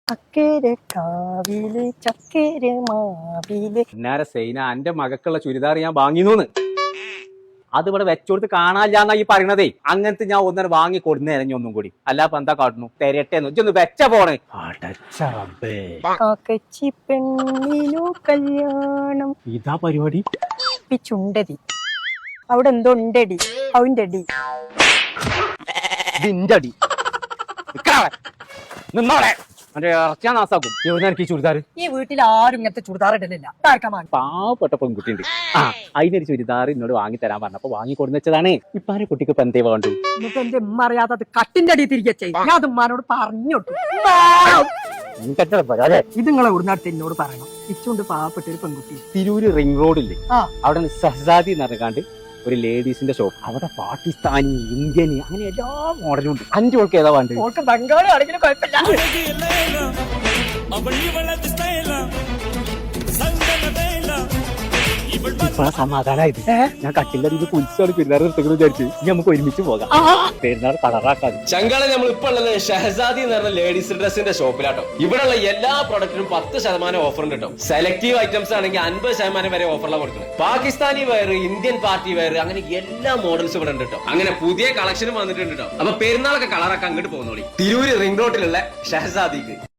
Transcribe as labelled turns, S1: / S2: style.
S1: അക്കരെ കാവില് ചക്കര മാവില്
S2: പിന്നാരെ സൈന എന്റെ മകക്കുള്ള ചുരിദാർ ഞാൻ വാങ്ങിനൂന്ന് അത് ഇവിടെ വെച്ചോടുത്ത് കാണാനില്ലാന്നാ ഈ പറയണതേ. അങ്ങനത്തെ ഞാൻ ഒന്നര വാങ്ങി കൊടുന്നേ ഒന്നും കൂടി അല്ലാപ്പ എന്താ കാട്ടുന്നു തെരട്ടെന്ന് ഇജ്ജൊന്ന് വെച്ച പോണേ.
S1: കാക്കച്ചി പെണ്ണിനു കല്യാണം
S2: ഇതാ പരിപാടി.
S1: ചുണ്ടതി അവിടെ എന്തോ ഉണ്ടടി അവന്റെ അടി
S2: ഇതിന്റെ അടി നിന്നോളെ എന്റെ ഇറച്ചാ നാസാക്കും. എവിടെ എനിക്ക് ചുരിദാർ
S1: ഈ വീട്ടിൽ ആരും ഇങ്ങനത്തെ ചുരിദാർ ഇടലില്ല.
S2: പാവപ്പെട്ട പെൺകുട്ടിയുണ്ട്. ആ അതിനൊരു ചുരിദാർ എന്നോട് വാങ്ങി തരാൻ പറഞ്ഞപ്പോ വാങ്ങി കൊടുന്ന് വെച്ചതാണ്. ഇപ്പാരെ കുട്ടിക്ക് ഇപ്പൊ എന്തേ വേണ്ടു?
S1: എന്നിട്ട് എന്റെ ഉമ്മ അറിയാതെ അത് കട്ടിന്റെ അടി തിരികെ ചെയ്യും. ഞാൻ അത് ഉമ്മാനോട് പറഞ്ഞോട്ടു. ഇത് നിങ്ങളെ ഉടനടുത്ത് എന്നോട് പറയണം. ഇച്ചുണ്ട് പാവപ്പെട്ട ഒരു പെൺകുട്ടി
S2: തിരൂര് റിംഗ് റോഡില്ലേ അവിടെ സഹസാദി നടക്കാണ്ട് ഒരു ലേഡീസിന്റെ ഷോപ്പ്. അവിടെ പാകിസ്ഥാനി ഇന്ത്യൻ അങ്ങനെ എല്ലാ മോഡലും ഉണ്ട്. 5 ഓൾക്ക് ഏതാ വേണ്ടത്?
S1: ഓൾക്ക് ബംഗാളി ആണെങ്കിലും കുഴപ്പമില്ല.
S2: സമാധാനായത് ഞാൻ കട്ടിന്റെ അടിയിൽ കുലിച്ചാണ് പെരുന്നാൾ നിർത്തുന്നത് വിചാരിച്ചു. ഇനി നമുക്ക് ഒരുമിച്ച് പോകാം. പെരുന്നാൾ കളറാക്കാൻ
S3: ചങ്കാള നമ്മൾ ഇപ്പൊ ഉള്ളത് ഷഹസാദി എന്ന് പറഞ്ഞ ലേഡീസ് ഡ്രസ്സിന്റെ ഷോപ്പിലാട്ടോ. ഇവിടെയുള്ള എല്ലാ പ്രൊഡക്റ്റിനും 10% ഓഫർ ഉണ്ട് കേട്ടോ. സെലക്റ്റീവ് ഐറ്റംസ് ആണെങ്കിൽ 50% വരെ ഓഫറിലാണ് കൊടുക്കുന്നത്. Pakistani wear, Indian party wear, അങ്ങനെ എല്ലാ മോഡൽസും ഇവിടെ ഉണ്ട് കേട്ടോ. അങ്ങനെ പുതിയ കളക്ഷനും വന്നിട്ടുണ്ട് കേട്ടോ. അപ്പൊ പെരുന്നാളൊക്കെ കളറാക്കാൻ അങ്ങോട്ട് പോകുന്നോളി. തിരൂര് റിംഗ് റോഡിലുള്ള ഷഹസാദിക്ക്.